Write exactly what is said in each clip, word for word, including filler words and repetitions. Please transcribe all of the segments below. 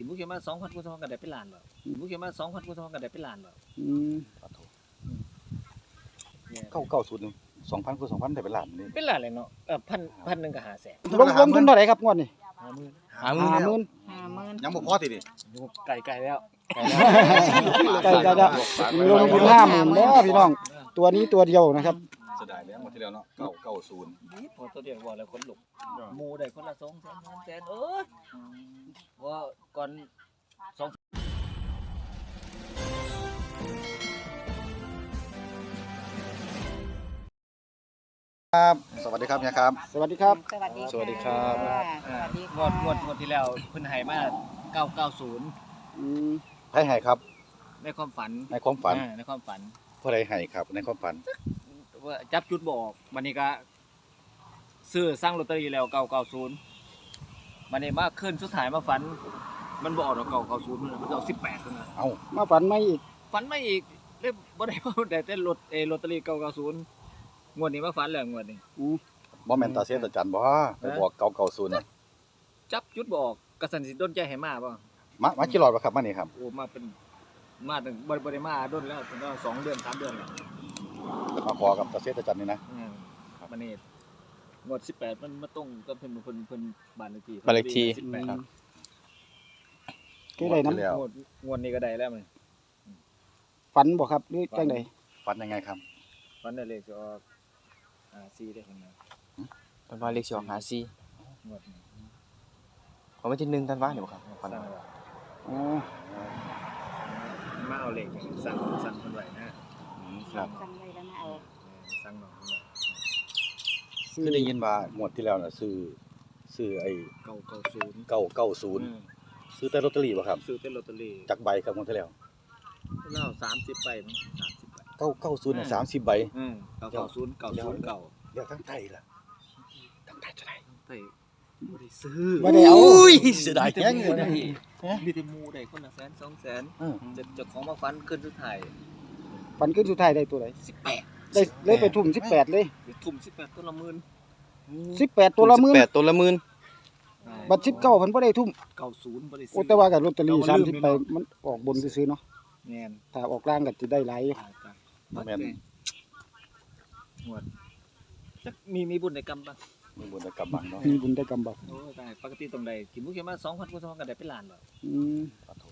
บุกเขียนมาสองพันกูสองพันก็ได้เป็นล้านแล้วบุกเขียนมาสองพันกูสองพันก็ได้เป็นล้านแล้วอืมเก้าเก้าศูนย์สองพันคูณสองพันได้เป็นล้านนี่เป็นล้านเลยเนาะเออพันพันหนึ่งก็ห้าแสนลงลงทุนเท่าไหร่ครับงวดนี้ห้าหมื่นหาหมื่นห้าหมื่นห้าหมื่นยังบ่พอติดิไก่ไก่แล้วใกล้จะจะลงทุนห้าหมื่นแล้วพี่น้องตัวนี้ตัวเดียวนะครับเสียดายแล้วหมดที่แล้วเนาะเก้าเก้าศูนย์นี่พอตัวเดียวบอกแล้วคนลุกหมู่ได้คนละสองแสนสามแสนเอ้ยว่าก่อนสองครับสวัสดีครับเนี่ยครับสวัสดีครับสวัสดีสวัสดีครับสวัสดีงวดงวดงวดที่แล้วเพิ่นให้มาเก้าเก้าศูนย์อืมให้ให้ครับในความฝันในความฝันอ่าในความฝันผู้ใดให้ครับในความฝันว่าจับจุดบออกวันนี้ก็ซื้อสร้างลอตเตอรี่แล้วเก้าเก้าศูนย์วันนี้มาขึ้นสุดท้ายมาฝัน มันบออกดอกเก้าเก้าศูนย์มันมันจะออกสิบแปดเท่านั้นเอ้ามาฝันไม่อีกฝันไม่อีกเลยบ่ได้เอาแต่แต่ลอตเออลอตเตอรี่เก้าเก้าศูนย์งวดนี้มาฝันแล้วงวดนี้อืมบ่แม่นตาเสียตาจันบ่ไปบอกเก้าเก้าศูนย์น่ะจับจุดบออกกระสันสิโดนใจให้มาบ่มามากี่รอบแล้วครับมานี่ครับโอ้มาเป็นมาตั้งบ่บ่ได้มาโดนแล้วตั้งแต่สองเดือนสามเดือนแล้วมาขอกับตาเสียตาจันนี่นะอืมวันนี้งวดสิบแปดมันมาตรงกับเพิ่นเพิ่นเพิ่นบ้านเลขที่บ้านเลขที่สิบแปดครับคือได้น้แล้วงวดงวดนี้ก็ได้แล้วมันำฝันบ่ครับหรือจังไดฝันยังไงครับฝันได้เลขจะออกอ่าสี่ได้เพิ่นนะตันว่าเลขสิออกหาซีงวดนี้ของวันที่หนึ่งตันว่าเนี่ยบ่ครับสั่ฝันงไว้อ๋อมาเอาเลขสั่งสั่งเพิ่นไว้นะครับสั่งไว้แล้วมาเอาสั่งน้องเพิ่นไว้ซื้อคือได้ยินว่างวดที่แล้วน่ะซื้อซื้อไอ้เก้าเก้าศูนย์เก้าเก้าศูนย์ซื้อแต่ลอตเตอรี่บ่ครับซื้อเป็นลอตเตอรี่จักใบครับงวดที่แล้วแล้วสามสิบใบมั้งสามสิบใบเก้าเก้าศูนย์น่ะสามสิบใบอืมเก้าเก้าศูนย์เก้าศูนย์เก้าเดี๋ยวทั้งไทยล่ะทั้งไทยจะได้เฮ้ยบ่ได้ซื้อบ่ได้เอาอุ้ยเสียดายมีแฮงแต่เลหยมู่นะได้มีแต่หมู่ได้คนละแสนสองแสนอืมจะเจ้าของมาฟันขึ้นสุดท้ายฝันขึ้นสุดท้ายได้ตัวไหนสิบแปดได้เลยไปทุ่มสิบแปดเลยทุ่มสิบแปดตัวละหมื่นสิบแปดตัวละหมื่นสิบแปดตัวละหมื่นบัตรสิบเก้าพันบ่ได้ทุ่มเก้าศูนย์บ่ได้ซื้โอ้แต่ว่ากับลอตเตอรี่เราสามลืสิบมใบเนาะมันออกบนซื้อๆเนาะแม่นถ้าออกล่างก็สิได้หลายอยู่ตายตายแม่นหมดจักมีมีบุญในกรรมบ้างมีบุญกรรมบังเนาะมีบุญได้กำบัดโอ้ตายปกติตรงใดกินบุกเขียนมาสองพันกูสองพันก็ได้เป็นล้านแล้วอืม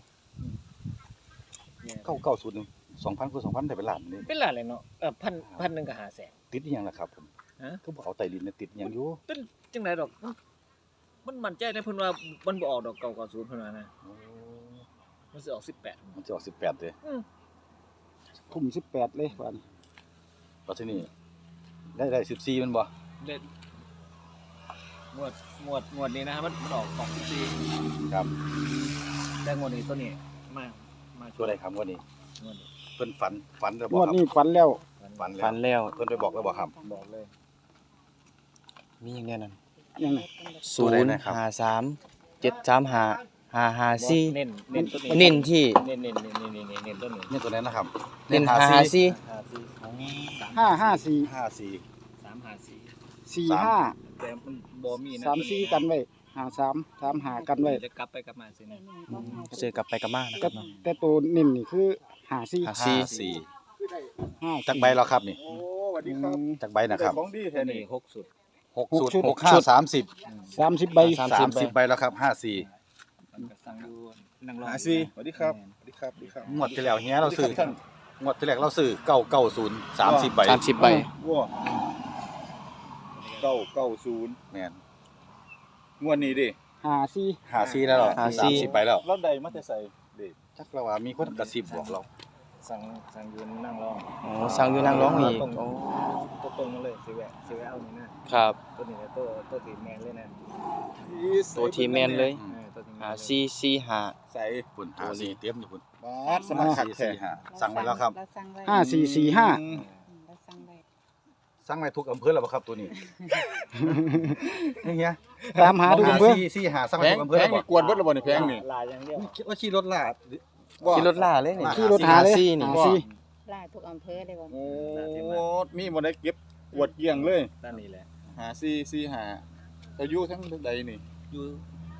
เนี่ยเก้าเก้าศูนย์สองพันคูณสองพันได้เป็นล้านนี่เป็นล้านเลยเนาะเออพันพันหนึ่งก็ห้าแสนติดอีหยังล่ะครับผมฮะก็บอกเอาไตดินเนี่ยติดอีหยังอยู่เป็นจังไดดอกมันมั่นใจได้เพิ่นว่ามันบ่ออกดอกเก้าเก้าศูนย์เพิ่นว่านะมันสิออกสิบแปดมันจะออกสิบแปดเลยอืมทุ่มสิบแปดเลยวันแล้วที่นี่ได้ได้สิบสี่มันบ่เด็ดหมวดหมวดหมวดนี้นะครับมันมันออกออกสิบสี่ครับแต่งวดนี้ตัวนี้มามาตัวใดครับวันนี้งวดนี้เพิ่นฝันฝันแล้วงบ่วดครับนี้ฝันแล้วฝันฝันแล้วแล้วเพิ่นไปบอกแล้วบ่ครับบอกเลยมีอย่างแน่นอนยังไงศูนย์ห้าสามเจ็ดสามห้าห้าห้าสี่เน้นเน้นตัวนี้เน้นที่เน้นเน้นเน้นเน้นเน้นเน้นเน้นตัวนี้นี่ตัวนั้นนะครับเน้นห้าห้าสี่ห้าสี่สามห้าห้าสี่ห้าสี่สามห้าสี่สี่สามห้าแต่มันบ่มีนะสามสี่กันไว้ห้าสามสามหากันไว้จะกลับไปกลับมาสินะเจอกลับไปกลับมานะคก็รับเนาะแต่ตัวนิ่มนี่คือหาสี่ห้าห้าสี่ห้าจักใบแล้วครับนี่โอ้สวัสดีครับจักใบนะครับตัวนี้หกสุดหกหกสุดชุดหกห้าสามสิบสามสิบใบสามสาสิมบสิบใบใบแล้วครับห้าสี่มันก็สั่งดูนั่งรอหาสิสวัสดีครับสวัสดีครับสวัสดีครับงวดที่แล้วเฮียเราซื้องวดที่แล้วเราซื้อเก้าเก้าศูนย์สามสิบใบสามสิบใบว้าเก้าเก้าศูนย์แม่นงวดนี้ดิหาสี่หาซี่แล้วเหรอหาซี่สามสิบใบแล้วรถใดมาจะใส่เด็กจักเราว่ามีคนกระซิบบอกเราสั่งสั่งยืนนั่งรอโอ้สั่งอยู่นั่งร้องอีกตรงโอ้ตัวตรงมาเลยสิแวะสิแวะเอานี่นะครับ ตัวนี้นะตัวตัวตีแมนเลยนะตัวทีแมนเลยเออตัวตีแมนหาสี่สี่ห้าใส่คุณหาซี่เตรียมอยู่คุณบาสสมัครขัดสี่แท้สี่ห้าสั่งไว้แล้วครับเราสั่งไว้ห้าสี่สี่ห้าอืมเราสั่งไว้สั่งไว้ทุกอำเภอแล้วบ่ครับตัวนี้นี่เฮียตามหาดูเพื่อสี่สี่ห้าสั่งแพไว้งทุกอำเภอแพแล้งวบ่นี่กวนเบิดและบ่นี่แพงนี่ลายอย่างเดียวคิดว่าขี่รถลาดว่าขี่รถล่าเลยนี่ขี่รถหาเลยหาซี่นี่หาสี่ลาทุกอำเภอเลยบ่โอ้มีบ่ได้เก็บกวดเกลี้ยงเลยด้านนี้แหละหาซี่ซี่หาอายุทั้งใดนี่อยู่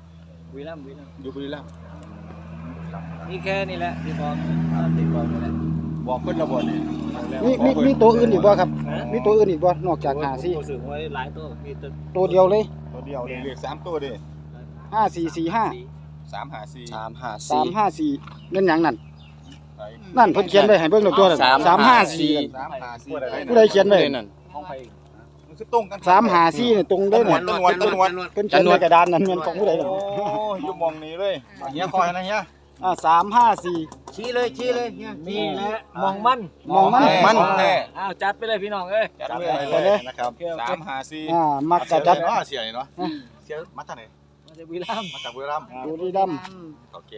บุรีรัมย์บุรีรัมย์อยู่บุรีรัมย์นี่แค่นี้แหละที่บอกที่บอกนี่แหละบอกเพิ่นระบ่นี่มีมีมีตัวอื่นอีกบ่ครับ มีตัวอื่นอีกบ่นอกจากหาสี่รู้สึกว่าหลายตัวมีตัวตัวเดียวเลยตัวเดียวนี่เลขสามตัวเด้ห้าสี่สี่ห้าสามห้าสี่สามห้าสามสี่ห้าสี่นั่นหยังนั่นไปนั่นเพิ่นเขียนไว้ให้เบิ่งแล้วตัวนั้นสามสามห้าสี่สามห้าสี่ผู้ใดเขียนไว้นั่นห้องไปมันคือตรงกันสามห้าสี่นี่ตรงเด้อต้น่ะนวนต้นวนเพิ่นเขียนไว้กระดานนั้นแม่นของผู้ใดนั่นโอ้ยอยู่มองนี้เลยเฮียคอยนะเฮียอ่าสามห้าสี่ชี้เลยชี้เลยเนี่ยนี่แหละมองมันมองมันมันแน่อ้าวจัดไปเลยพี่น้องเอ้ยจัดเลยนะครับสามห้าสี่อ่ามักกะจัดเนาะเสียนี่เนาะเสียมาจากไหนมาจากบุรีรัมย์มาจากบุรีรัมย์บุรีรัมย์โอเค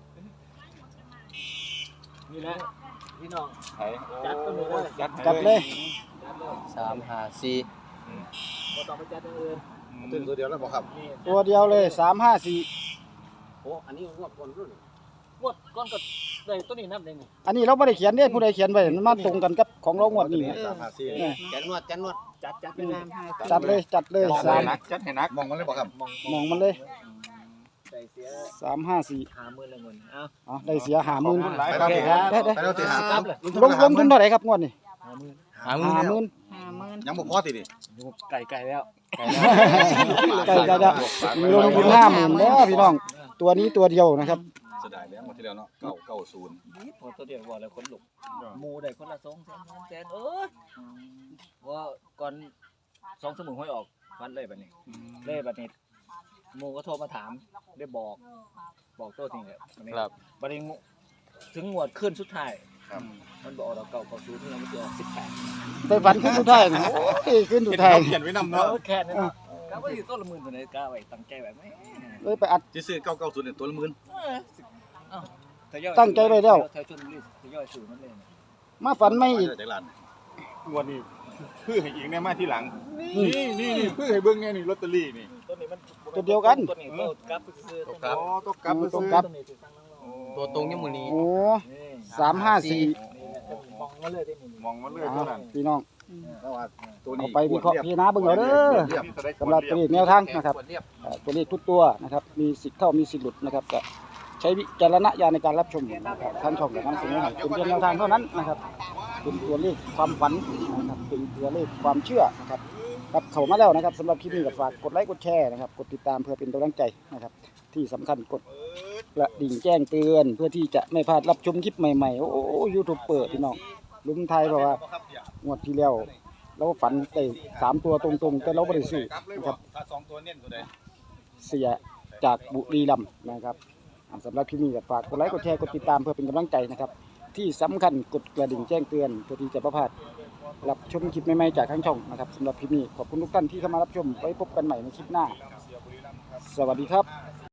นี่แหละพี่น้องไอ้จัดไปเลยจัดจัดเลยจัดเลยสามห้าสี่บ่ต้องไปจัดอย่างอื่นตื่นตัวเดียวแล้วบ่ครับนี่ตัวเดียวเลยสามห้าสี่โอ้อันนี้งวดก่อนรุ่นงวดก้อนก็ได้ตัวนี้นับได้นี่อันนี้เราบ่ได้เขียนเด้ผู้ใดเขียนไว้มันมาตรงกันกับของเรางวดนี้สามห้าสี่เนี่ยจันนวดจันนวดจัดจัดไปสเลยามห้าจัดเลยจัดเลยมองสามให้นักจัดให้นักมองมันเลยบ่ครับมองมองมันเลยใส่เสียสามห้าสี่หาหมื่นละหมื่นเอ้าอ๋อได้เสียหาหมื่นหลายครับได้ได้ไปเราตีหาครับเลยลงลงทุนเท่าไหร่ครับงวดนี้หาหมื่นหามือหาหมื่นห้าหมื่นยังบ่พอติดิอยู่ไก่ไก่แล้วไก่จะจะลงทุนห้าหมื่นแล้วพี่น้อง ตัวนี้ตัวเดียวนะครับเสียดายแล้วหมดที่แล้วเนาะเก้าเก้าศูนย์พอตัวเดียวบอกเลยคนลุกหมูได้คนละสองแสนสามแสนเอ้ยว่าก่อนสองสมุนห้อยออกฟันเลยแบบนี้เลยแบบนี้หมูก็โทรมาถามได้บอก บอกโต้จริงเลยวันนี้ครับวันนี้ถึงงวดขึ้นสุดท้ายมันบอกเราเก่าเก่าศูนย์ที่เราไม่เจอสิบแปดไปฝันขึ้นสุดท้ายนะโอ้ยขึ้นสุดท้ายเขียนไว้นำเนาะเนาะแค่นั้นเนาะกะว่าอยู่ต้นละหมื่นตัวไหนกะไว้ตั้งใจไว้ไหมเลยไปอัดจะซื้อเก้าเก้าศูนย์เนี่ยตัวละหมื่นตั้งใจไว้แล้วทยอยชนบุรีทยอยสู่มันเลยมาฝันไม่อีกจากร้านงวดนี้เพื่อให้อีกเนี่ยมาที่หลังนี่นี่นี่เพื่อให้เบิ่งไงนี่ลอตเตอรี่นี่ตัวนี้มันตัวเดียวกันตัวนี้ตัวกลับไปซื้อตกกลับตกกลับตกกลับตัวนี้ถือตั้งน้องตัวตรงยังมือนี้โอ้นี่สามห้าสี่มองมาเลยได้หมดมองมันเลยเท่านั้นพี่น้องเพราะว่าตัวนี้เอาไปวิเคราะห์พิจารณาเบิ่งเอาเด้อสำหรับตัวเลขแนวทางนะครับเอ่อตัวเลขทุกตัวนะครับ มีสิทธิ์เข้ามีสิทธิ์หลุดนะครับก็ใช้วิจารณญาณในการรับชมนะครับท่านชมแบบนั้นสิ่งนี้เป็นเพียงแนวทางเท่านั้นนะครับ เป็นตัวเลขความฝันนะครับเป็นตัวเลขความเชื่อนะครับครับเข้ามาแล้วนะครับสำหรับคลิปนี้ก็ฝากกดไลค์กดแชร์นะครับกดติดตามเพื่อเป็นกำลังใจนะครับ ที่สำคัญกดกระดิ่งแจ้งเตือนเพื่อที่จะไม่พลาดรับชมคลิปใหม่ๆโอ้โหยูทูบเปิดพี่น้องลุมไทยบอกว่างวดที่แล้วเราฝันได้สามตัวตรงๆแต่เราไม่ได้ซื้อนะครับถ้าสองตัวเน้นตัวใดเสียจากบุรีรัมย์นะครับอ่าสำหรับคลิปนี้ก็ฝากกดไลค์กดแชร์กดติดตามเพื่อเป็นกำลังใจนะครับ ที่สำคัญกดกระดิ่งแจ้งเตือนเพื่อที่จะไม่พลาดรับชมคลิปใหม่ๆจากทางช่องนะครับสำหรับคลิปนี้ขอบคุณทุกท่านที่เข้ามารับชมไว้พบกันใหม่ในคลิปหน้า สวัสดีครับ